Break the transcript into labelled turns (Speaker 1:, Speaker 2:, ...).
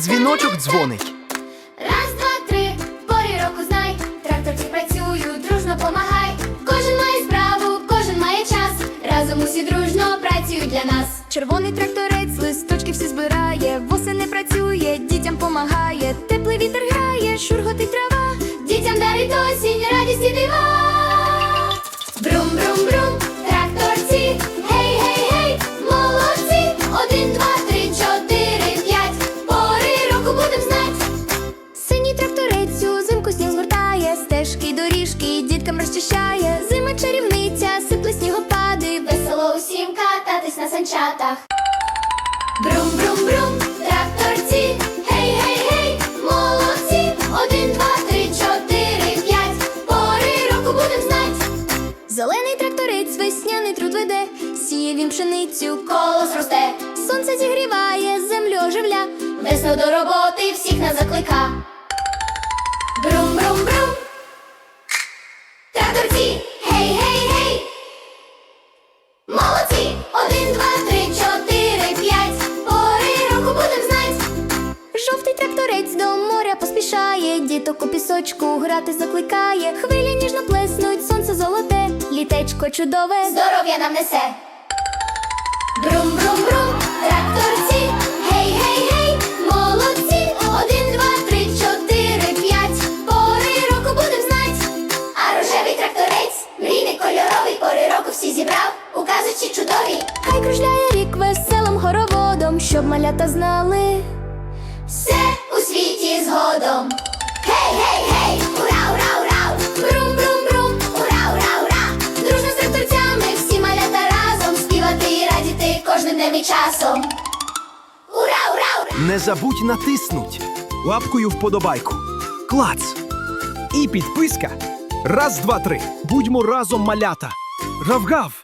Speaker 1: дзвіночок дзвонить.
Speaker 2: Раз, два, три, в порі року знай, тракторці працюють, дружно помагай. Кожен має справу, кожен має час, разом усі дружно працюють для нас.
Speaker 3: Червоний тракторець листочки всі збирає, восени працює, дітям помагає, теплий вітер грає, шурготить трава,
Speaker 2: Дітям дарить осінь, радість і дива. Брум, брум, брум, тракторці, гей, гей, гей, молодці. 1, 2, 3, 4, 5, пори року будем знать.
Speaker 3: синій тракторець узимку сніг згортає, стежки й доріжки діткам розчищає, зима чарівниця, сипле снігопади,
Speaker 2: Весело усім кататись на санчатах. Брум, брум, брум, тракторці, гей, гей, гей, молодці. 1, 2, 3, 4, 5, пори року будем знать.
Speaker 3: зелений тракторець весняний труд веде, сіє він пшеницю,
Speaker 2: Колос росте,
Speaker 3: сонце зігріває, землю оживля.
Speaker 2: весну до роботи всіх нас заклика. Брум, брум, брум, тракторці, гей, гей, гей, молодці. 1, 2, 3, 4, 5, пори року будем знать.
Speaker 3: Жовтий тракторець до моря поспішає, діток у пісочку грати закликає, хвилі ніжно плеснуть, сонце золоте, літечко чудове.
Speaker 2: Здоров'я нам несе. Брум, брум, брум, тракторці, гей, гей, гей, молодці. 1, 2, 3, 4, 5, пори року будем знать. А рожевий тракторець, мрійний кольоровий, пори року всі зібрав, у казочці чудові.
Speaker 3: Хай кружляє рік веселим хороводом, щоб малята знали.
Speaker 2: Все у світі згодом. Гей, гей, гей, ура, ура, ура. Брум, брум, брум, ура, ура, ура. Дружно з тракторцями всі малята разом співати і радіти кожним днем і часом. Ура, ура, ура.
Speaker 1: Не забудь натиснуть лапкою вподобайку. Клац! І підписка. Раз, два, три. Будьмо разом, малята. Гав-гав!